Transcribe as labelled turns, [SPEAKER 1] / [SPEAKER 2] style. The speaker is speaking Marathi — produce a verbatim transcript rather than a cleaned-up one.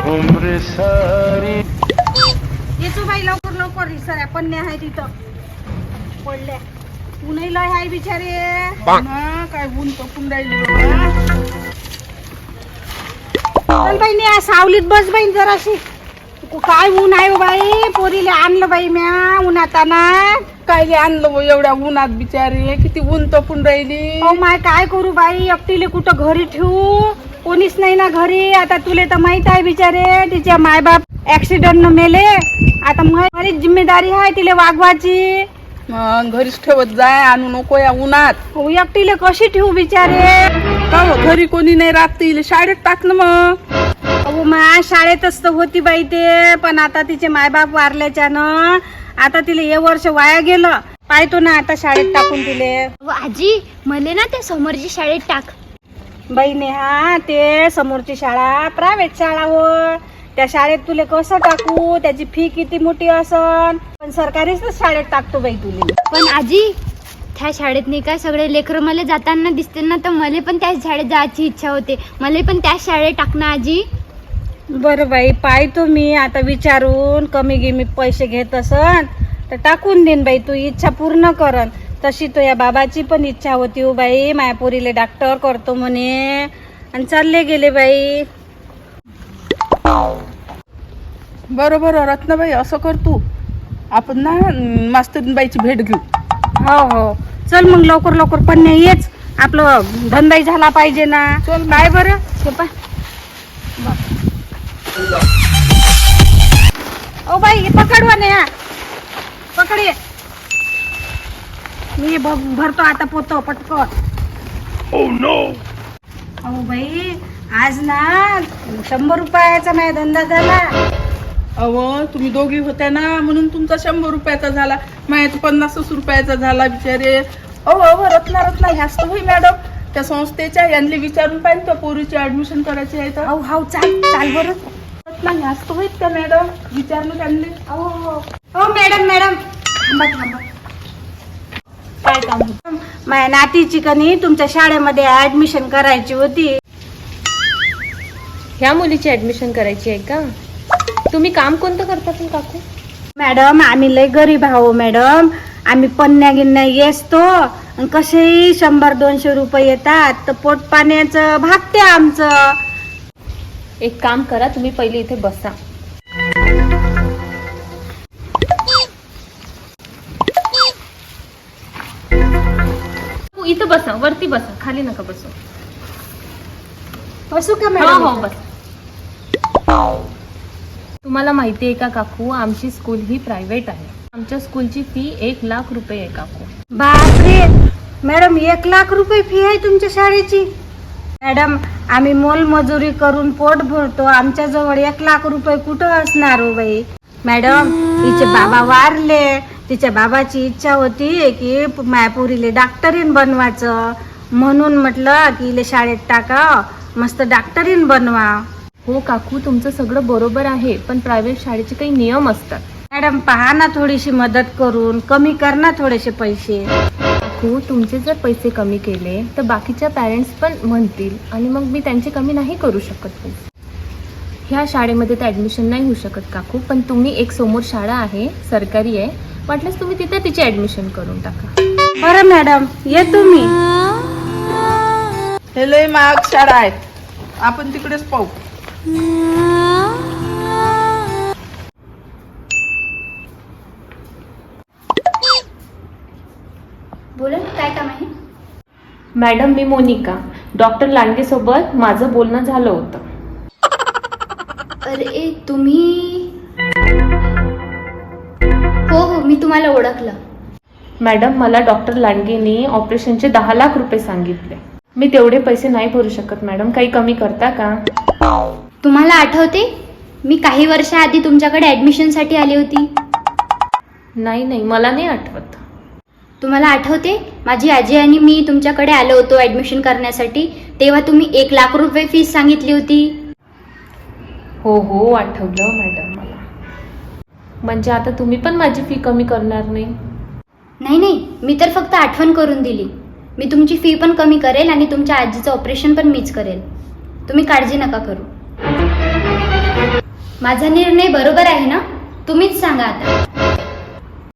[SPEAKER 1] उम्र सारी
[SPEAKER 2] येतो बाई लवकर लवकर सर पण आहे तिथं पडल्या ऊनही लय आहे बिचारे
[SPEAKER 3] ना काय ऊन तपून राहिली बाबा.
[SPEAKER 2] चल बाई ने सावलीत बस बाई जराशी काय ऊन आहे हो बाई पोरीला आणलं बाई म्या उन्हाताना
[SPEAKER 3] काय आणलं बुवा एवढ्या उन्हात बिचारी किती ऊन तपून राहिली.
[SPEAKER 2] हो माय काय करू बाई एकटीले कुठं घरी ठेवू कोणीच नाही ना घरी. आता तुले तर माहित आहे बिचारे तिच्या मायबाप ऍक्सिडेंट न मेले. आता माझी जिम्मेदारी आहे तिला वागवायची.
[SPEAKER 3] मग घरीच ठेवत जाय आणू नको या उन्हात.
[SPEAKER 2] हो एकटीले कशी ठेवू बिचारे.
[SPEAKER 3] का हो, घरी कोणी नाही राहत तिला शाळेत टाकलं मग.
[SPEAKER 2] अहो मा शाळेतच तर होती बाई ते पण आता तिचे मायबाप वारल्याच्यानं आता तिला हे वर्ष वाया गेलं. पाहतो ना आता शाळेत टाकून तिले.
[SPEAKER 4] आजी मले ना त्या समोरची शाळेत टाक.
[SPEAKER 2] बाई नेहा ते समोरची शाळा प्रायव्हेट शाळा हो त्या शाळेत तुले कसं टाकू त्याची फी किती मोठी असन. पण सरकारीच शाळेत टाकतो बाई तुले.
[SPEAKER 4] पण आजी त्या शाळेत नाही काय सगळे लेकरं मला जाताना दिसते ना तर मला पण त्याच शाळेत जायची इच्छा होते. मला पण त्याच शाळेत टाकणं आजी.
[SPEAKER 2] बरं बाई पाहतो मी आता विचारून कमी गिमी पैसे घेत असन तर टाकून देईन बाई. तू इच्छा पूर्ण करन तशी तो या बाबाची पण इच्छा होती हो बाई. मायापुरीले डॉक्टर करतो म्हणे आणि चालले गेले बाई.
[SPEAKER 3] बरं बरं रत्नाबाई असं कर तू आपण ना मास्तरीनबाईची भेट घेऊ.
[SPEAKER 2] हो हो चल मग लवकर लवकर पण नाही येच आपलं धंदाही झाला पाहिजे ना.
[SPEAKER 3] चल
[SPEAKER 2] काय बरं सोपा ओ बाई पकडवा ना पकड ये. मी भ- भरतो आता पोतो पटकन.
[SPEAKER 1] Oh no!
[SPEAKER 2] अहो बाई आज ना शंभर रुपयाचा माझा धंदा झाला.
[SPEAKER 3] अव तुम्ही दोघी होत्या ना म्हणून तुमचा शंभर रुपयाचा झाला. माझ्या पन्नासच रुपयाचा झाला बिचारे. अहो अहो रत्ना रत्ना ह्याच तर होई मॅडम त्या संस्थेच्या यांनी विचारून पाहिजे त्या पोरीची ऍडमिशन करायची आहे तर.
[SPEAKER 2] अहो हाव चाल चाल बरं.
[SPEAKER 3] रत्ना ह्याच तर होईत त्या मॅडम विचारलं त्यांनी.
[SPEAKER 2] अहो हो हो मॅडम मॅडम थांबा थांबा.
[SPEAKER 4] काय काम होतं?
[SPEAKER 2] माझ्या नातीची कनी तुमच्या शाळेमध्ये ऍडमिशन करायची होती.
[SPEAKER 5] ह्या मुलीची ऍडमिशन करायची आहे का? तुम्ही काम कोणतं करता पण काकू?
[SPEAKER 2] मॅडम आम्ही लय गरीब आहो मॅडम. आम्ही पन्न्या गिन्या येसतो कसेही शंभर दोनशे रुपये येतात तर पोट पाण्याचं भागते आमचं.
[SPEAKER 5] एक काम करा तुम्ही पहिले इथे बसा. इथं बसा वरती बसा खाली नका बसू.
[SPEAKER 2] बसू का
[SPEAKER 5] हो
[SPEAKER 2] मॅडम?
[SPEAKER 5] हो बस. तुम्हाला माहिती आहे का काकू आमची स्कूल ही प्रायव्हेट आहे. आमच्या स्कूलची फी एक लाख रुपये आहे काकू.
[SPEAKER 2] बापरे मॅडम एक लाख रुपये फी आहे तुमच्या शाळेची. मॅडम आम्ही मोलमजुरी करून पोट भरतो आमच्या जवळ एक लाख रुपये कुठं असणार हो बाई. मॅडम तिचे बाबा वारले तिच्या बाबाची इच्छा होती की मायापुरीले डॉक्टरीन बनवायचं म्हणून म्हटलं की इले शाळेत टाका मस्त डॉक्टरीन बनवा.
[SPEAKER 5] हो काकू तुमचं सगळं बरोबर आहे पण प्रायव्हेट शाळेचे काही नियम असतात.
[SPEAKER 2] मॅडम पहा ना थोडीशी मदत करून कमी कर ना थोडेसे पैसे.
[SPEAKER 5] काकू तुमचे जर पैसे कमी केले तर बाकीच्या पॅरेंट्स पण म्हणतील आणि मग मी त्यांचे कमी नाही करू शकत पैसे. ह्या शाळेमध्ये तर ॲडमिशन नाही होऊ शकत काकू पण तुम्ही एक समोर शाळा आहे सरकारी आहे वाटल्यास तुम्ही तिथे तिची ॲडमिशन करून टाका.
[SPEAKER 2] बरं मॅडम येतो मी.
[SPEAKER 3] हे लय महाग शाळा आहे आपण तिकडेच पाहू.
[SPEAKER 4] बोला ना काय काम आहे?
[SPEAKER 5] मॅडम मी मोनिका डॉक्टर लांडगे सोबत माझं बोलणं झालं होतं.
[SPEAKER 4] अरे तुम्ही हो हो मी तुम्हाला ओळखलं.
[SPEAKER 5] मॅडम मला डॉक्टर लांडगेनी ऑपरेशनचे दहा लाख रुपये सांगितले. मी तेवढे पैसे नाही भरू शकत मॅडम काही कमी करता का?
[SPEAKER 4] तुम्हाला आठवते मी काही वर्षाआधी तुमच्याकडे ॲडमिशनसाठी आली होती.
[SPEAKER 5] नाही नाही मला नाही आठवत.
[SPEAKER 4] तुम्हाला आठवते माझी आजी आणि मी तुमच्याकडे आलो होतो ॲडमिशन करण्यासाठी तेव्हा तुम्ही एक लाख रुपये फीस सांगितली होती.
[SPEAKER 5] हो हो आठवलं मॅडम मला. म्हणजे आता तुम्ही पण माझी फी कमी करणार नाही?
[SPEAKER 4] नाही नाही मी तर फक्त आठवण करून दिली. मी तुमची फी पण कमी करेल आणि तुमच्या आजीचं ऑपरेशन पण मीच करेल. तुम्ही काळजी नका करू. माझा निर्णय बरोबर आहे ना? तुम्हीच सांगा आता.